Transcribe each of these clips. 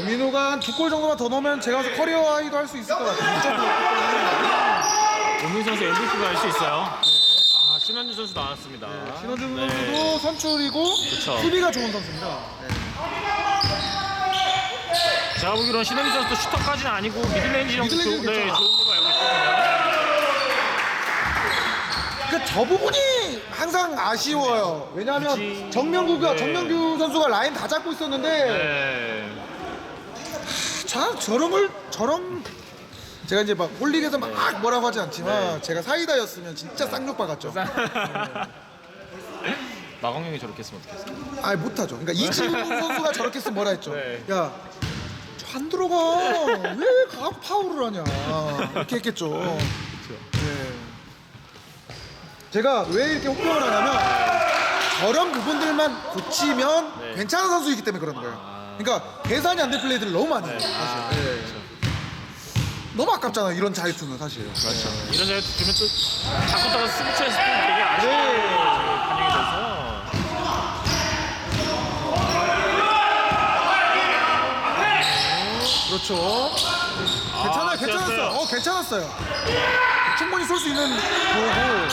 오민호가 한 2골 정도만 더 넣으면 제가 봐서 커리어 하이도 할 수 있을 것 같아요. 오민 선수 MVP가 할 수 있어요. 아, 신원준 선수 나왔습니다. 신원준 네. 선수도 선출이고 그쵸. 수비가 좋은 선수입니다. 네. 제가 보기로는 신원준 선수도 슈터까지는 아니고 미들레인지 정도 미들레인지 네, 괜찮아. 좋은 걸로 알고 있거든요. 그러니까 저 부분이 항상 아쉬워요. 왜냐하면 그치. 정명규 선수가 라인 다 잡고 있었는데 네. 저런 제가 이제 막 홀릭에서 막 뭐라고 하지 않지만 제가 사이다였으면 진짜 쌍욕 박았죠. 마광영이 저렇게 했으면 어떡했어요? 아니 못하죠. 그러니까 이지훈 선수가 저렇게 했으면 뭐라 했죠. 네. 야, 안 들어가. 왜 가고 파울을 하냐. 이렇게 했겠죠. 네. 제가 왜 이렇게 혹평을 하냐면 저런 부분들만 고치면 네. 괜찮은 선수이기 때문에 그러는 거예요. 그러니까 계산이 안 된 플레이들을 너무 많이 해요. 사실. 네. 너무 아깝잖아요. 이런 자유투는 사실. 그렇죠. 이런 자리 주면 또 자꾸 따라 스위치에서 또 되게 아쉽게 반영이 돼서. 그렇죠. 괜찮아요. 괜찮았어요. 괜찮았어요. 충분히 쏠 수 있는 거고.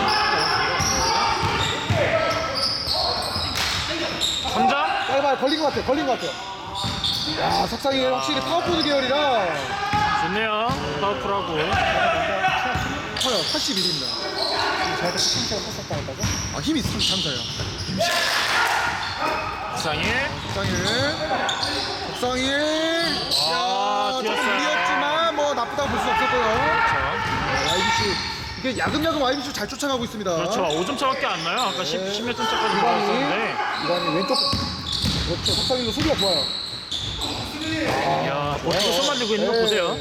3점? 짧아요. 걸린 것 같아요. 야, 석상이 확실히 파워포드 계열이라 좋네요. 파워풀하고. 커요. 81입니다. 저한테 참사가 컸었다 했다고? 아, 힘이 있으면 참사예요. 부상일. 석상일. 야, 조금 뛰었어요. 무리였지만 뭐 나쁘다고 볼 수 없었고요. 그렇죠. YBC 이게 야금야금 YBC 잘 쫓아가고 있습니다. 그렇죠. 5점 차밖에 안 나요. 아까 10몇 점 차까지 나왔었는데. 이관이 왼쪽. 그렇죠. 석상일도 수비가 좋아요. 이야, 버티고 손 만들고 있는 거 보세요.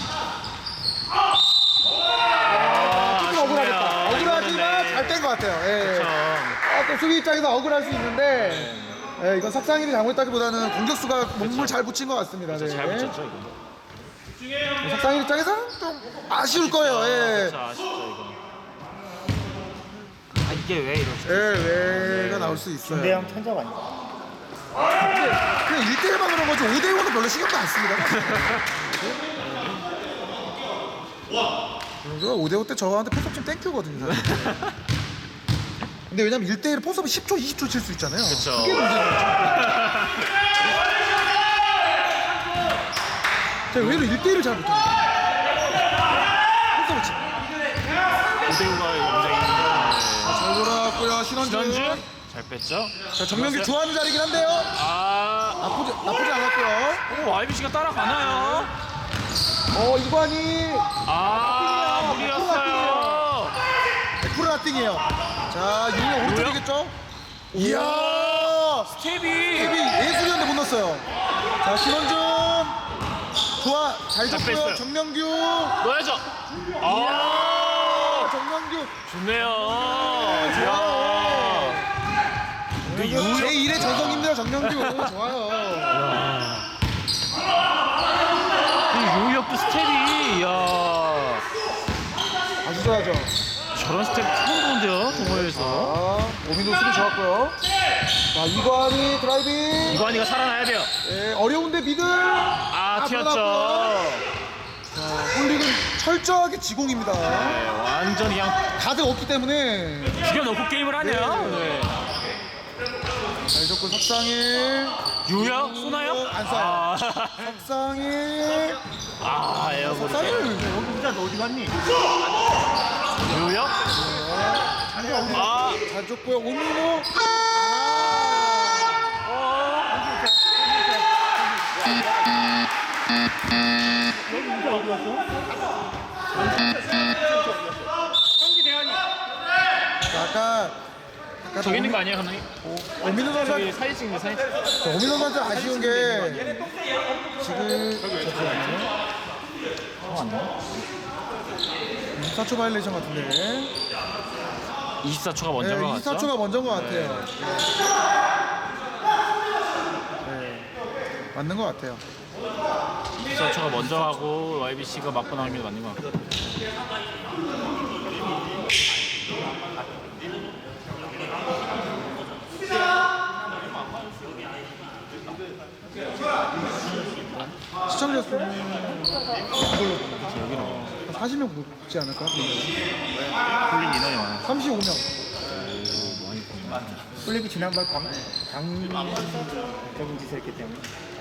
조금 억울하겠다. 억울하지만 잘 뗀 것 같아요. 그렇죠. 또 수비 입장에서 억울할 수 있는데 이건 석상일이 잘못했다기보다는 공격수가 몸을 잘 붙인 것 같습니다. 네. 잘 붙였죠, 이거. 석상일 입장에서는 좀 아쉬울 거예요. 그렇죠. 아쉽죠, 이거. 아, 이게 왜 이러지? 왜가 나올 수 있어요. 김대영 천적 아니야? 그냥 1대1만 그런 거지 5대1은 별로 신경도 안 씁니다. 5대5 때 저한테 포섭 좀 땡큐거든요. 사실. 근데 왜냐면 1대1 포섭은 10초, 20초 칠 수 있잖아요. 그쵸. 그게 문제인 거죠. 제가 왜 1대1을 잘 못합니까? 포섭을 치. 5대5가 굉장히 잘 돌아왔고요. 신원준. 잘 뺐죠? 자, 정명규 좋아하는 자리긴 한데요. 나쁘지 않았고요. 오, YBC가 따라가나요? 이관이 무리였어요. 100% 나띵이에요. 자, 유영 오른쪽이겠죠? 이야, 스텝이 예술이었는데 못 넣었어요. 자, 신원준 좋아, 잘 줬고요. 뺐어요. 정명규, 넣어야죠. 정명규 좋네요. 좋아요. 그 제1의 전성입니다. 정명규 좋아요. 요이업도 스텝이, 이야. 아주 좋아하죠. 저런 스텝 처음 보는데요, 동호회에서. 오민도 수비 좋았고요. 자, 이관이 드라이빙. 이관이가 살아나야 돼요. 어려운데 미들. 튀었죠. 자, 홀릭은 철저하게 지공입니다. 네, 완전 그냥 가드 없기 때문에 죽여놓고 게임을 하네요. 네. 잘 줬고 석상일 유야? 쏘나요? 안 쏴요. 석상일 에어볼. 석상일 진짜 너 어디 갔니? 유야? 잘 줬고요. 오민호 아까 저기 있는 거 아니에요, 감독님? 오민호 저기 선수 사진 찍는 사진. 오민호 선수 아쉬운 게 지금 24초 바이레이션 같은데 24초가 먼저인 것 같죠? 24초가 먼저인 것 같아요. 맞는 것 같아요. 24초가 먼저 하고 YBC가 맞고 나오는 게 맞는 것 같아요. 시청자 수는 이걸로 여기는 40명 붙지 않을까? 홀릭 인원이 많아. 35명. 홀릭이 지난번 강적인 짓을 했기 때문에.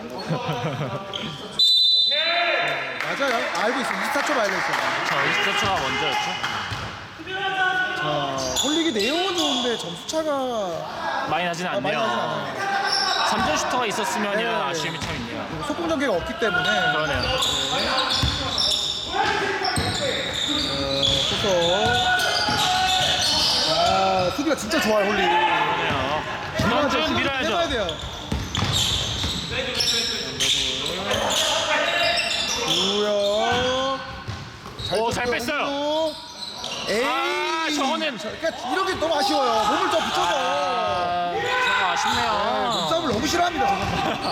맞아요. 알고 있어요. 24초 알고 있어요. 자, 24초가 먼저였죠. 자, 홀릭이 내용은 좋은데 점수 차가 많이 나진 많이 않네요. 나진 않아요. 3점 슈터가 있었으면이라는 네. 아쉬움이 참 있네요. 속공 전개가 없기 때문에 그러네요. 그래서 수비가 진짜 좋아요 홀릭. 그러네요. 전원준 밀어야죠. 해봐야 돼요. 구역. 오, 잘 뺐어요. 에이. 아, 저거는. 그러니까 이런 게 너무 아쉬워요. 몸을 더 붙여서. 저거 아쉽네요. 몸싸움을 너무 싫어합니다. 저는.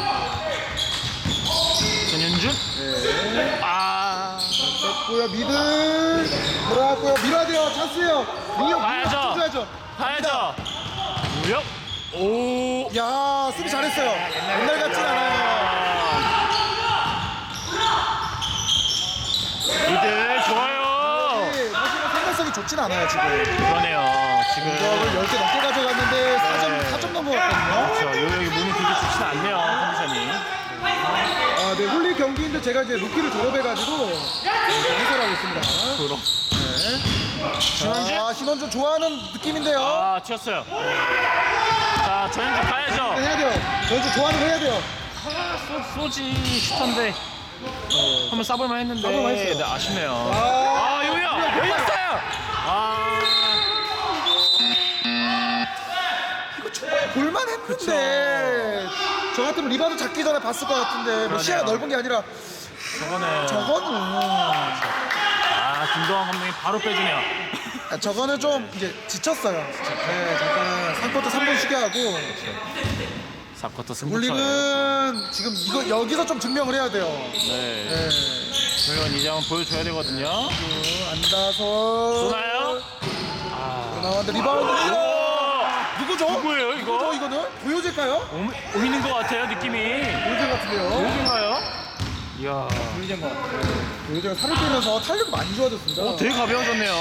전현준? 네. 아, 됐고요. 미들 돌아왔고요. 밀어야 돼요. 찬스예요. 민혁 가야죠. 줘야죠. 가야죠. 무역? 오. 야 수비 잘했어요. 옛날 같진 않아요. 이들 좋아요. 네, 사실은 생각성이 좋진 않아요 지금. 그러네요. 지금. 공격을 10개 넘게 가져갔는데 4점 넘은 것 같거든요. 그렇죠. 여기 몸이 그렇게 좋진 않네요. 컨디션이. 네, 홀릭 경기인데 제가 이제 루키를 졸업해가지고 해설하고 있습니다. 그럼. 자, 신원준 좋아하는 느낌인데요. 아, 튀었어요. 자, 전현준 가야죠. 해야 돼요. 전주 좋아하는 거 해야 돼요. 소지 슈터인데. 한번 쏴볼만 했는데. 쏴볼만 했어요. 네, 아쉽네요. 아, 요요! 열렸어요! 아. 이거 정말 볼만했는데 저 같으면 리바드 잡기 전에 봤을 것 같은데 뭐 그러네요. 시야가 넓은 게 아니라 저거는. 아, 김도환 감독이 바로 빼주네요. 저거는 좀 이제 지쳤어요. 네, 잠깐 3쿼터 3분 쉬게 하고 4쿼터 승부처예요. 홀릭은 지금 이거 여기서 좀 증명을 해야 돼요. 네. 네. 물론 이제 한번 보여줘야 되거든요. 앉아서 쏘나요? 나왔는데 리바운드 누구죠? 누구예요, 이거? 누구죠 이거는? 도요제일까요? 오미는 것 같아요, 느낌이. 도요제 같은데요. 누군가요? 이야. 돌리는 것 같아요. 도요제가 살을 빼면서 탄력이 많이 좋아졌습니다. 되게 가벼워졌네요.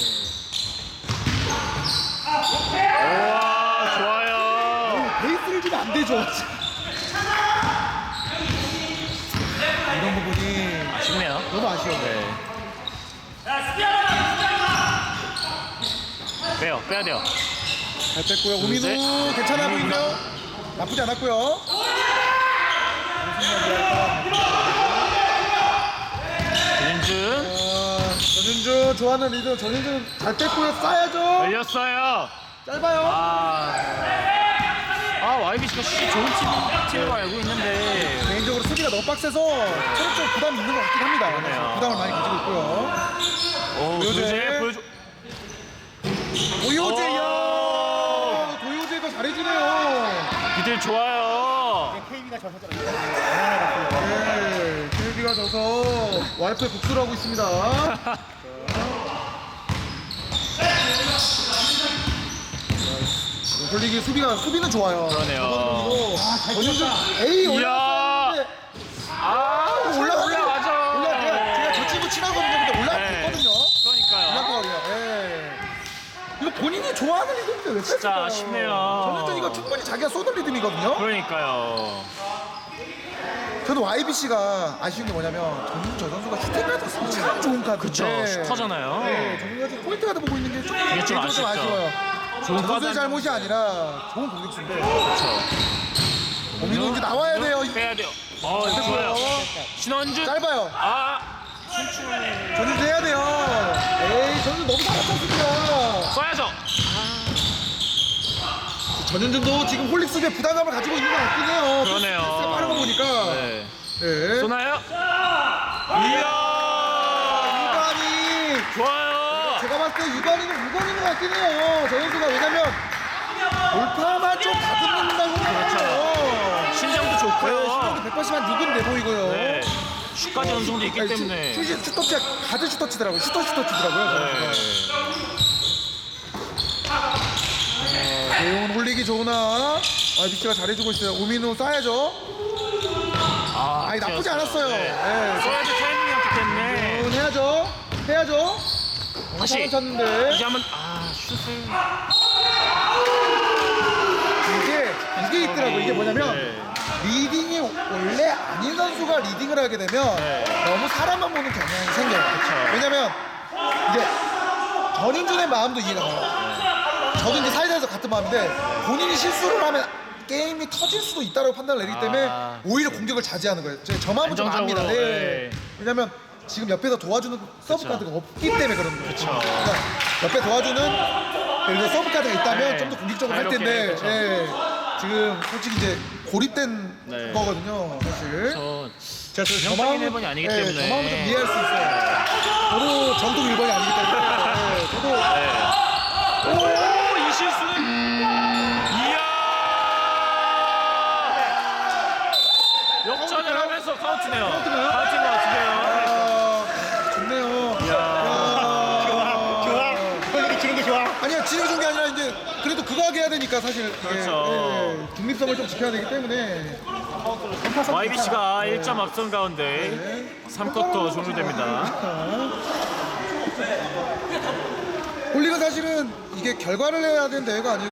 우와, 좋아요. 베이스를 주면 안 되죠. 이런 부분이 아쉽네요. 너무 아쉬워요. 네. 빼야 돼요. 잘 뺐고요. 우민우 괜찮아 보이고요. 나쁘지 않았고요. 전현준 전윤준 좋아하는 리더 전윤준 잘 뺐고요. 쏴야죠. 열렸어요. 짧아요. YBC가 슛이 좋은 팀으로 알고 있는데. 개인적으로 수비가 너무 빡세서 체력적 부담이 있는 것 같긴 합니다. 그러네요. 부담을 많이 가지고 있고요. 도요제 보여줘. 도요제야. 도요제가 잘해주네요. 이들 좋아요. KB가 져서 네, KB가 져서 와이프의 복수를 하고 있습니다. 홀릭이 수비는 좋아요. 그러네요. 전윤준 에이 올라갔는데 올라가죠. 제가 저 친구 친하거든요. 근데 올라갔거든요. 그러니까요. 올라가거든요. 예. 이거 본인이 좋아하는 리듬인데 왜 진짜 뺐을까요? 아쉽네요. 전윤준 이거 충분히 자기가 쏘는 리듬이거든요. 그러니까요. 저는 YBC가 아쉬운 게 뭐냐면 전윤준 저 선수가 슈팅 가드 쓰면 참 좋은 카드. 그쵸, 슈터잖아요. 네, 전윤준 포인트 가드 보고 있는 게 좀 이게 좀 개인적으로 아쉽죠. 아쉬워요. 좋은 선수의 카드 잘못이 아니라 좋은 공격수인데. 그렇죠. 고민은 이제 나와야 돼요. 빼야 돼요. 좋아요. 신원준. 짧아요. 신춘. 전윤준 해야 돼요. 에이 전윤준 너무 잘했었습니다. 쏴야죠. 전윤준도 지금 홀릭 수비에 부담감을 가지고 있는 것 같긴 해요. 그러네요. 패스가 빠른 거 보니까. 네. 네. 쏘나요? 이야. 유관이. 좋아요. 제가 봤을 때 유관인 것 같긴 해요. 저 선수가 왜냐면 돌파만 좀 다듬는다고 생각해요. 신장도 좋고요. 신장도 180한 6은 돼 보이고요. 네. 슛까지 어느 정도 있기 때문에. 슛이 슈터치가 가드 슈터치더라고요. 슈터치더라고요. 내용은 홀릭이 좋으나 YBC가 잘해주고 있어요. 우민우 쏴야죠. 아니 나쁘지 않았어요. 네. 예. 써야 될 타이밍이었기 때문에 해야죠. 다시 사람 쳤는데 이제 한번 슛을 이게 있더라고. 이게 뭐냐면 네. 리딩이 원래 아닌 선수가 리딩을 하게 되면 네. 너무 사람만 보는 경향이 생겨요. 왜냐면 이제 전인준의 마음도 이해가 가요. 저도 이제 사회자에서 같은 마음인데 본인이 실수를 하면 게임이 터질 수도 있다고 판단을 내리기 때문에 오히려 공격을 자제하는 거예요. 저 마음은 좀 압니다. 안정적으로, 네. 왜냐면 지금 옆에서 도와주는 서브 카드가 없기 때문에 그런 거예요. 그쵸. 그러니까 옆에 도와주는 예를 들어 서브 카드가 있다면 네. 좀 더 공격적으로 할 자유롭게, 텐데 그쵸. 예. 지금 솔직히 이제 고립된 네. 거거든요, 사실. 제가 저 정적인 1번이 아니기 예, 때문에 저 마음은 좀 이해할 수 있어요. 저도 정통 1번이 아니기 때문에 예, 저도 오, 이 실수는 이야 역전을 하면서 카운트네요. 카운트네요? 카운트인 것 같은데요. 좋네요. 좋아. 폴릭이 치는 게 좋아. 아니야, 진영 준게 아니라 이제 그래도 그거 하게 해야 되니까 사실 그렇죠. 중립성을 좀 지켜야 되기 때문에 YBC가 1점 앞선 가운데 3쿼터 종료됩니다. 홀리가 사실은 이게 결과를 해야 되는 대회가 아니고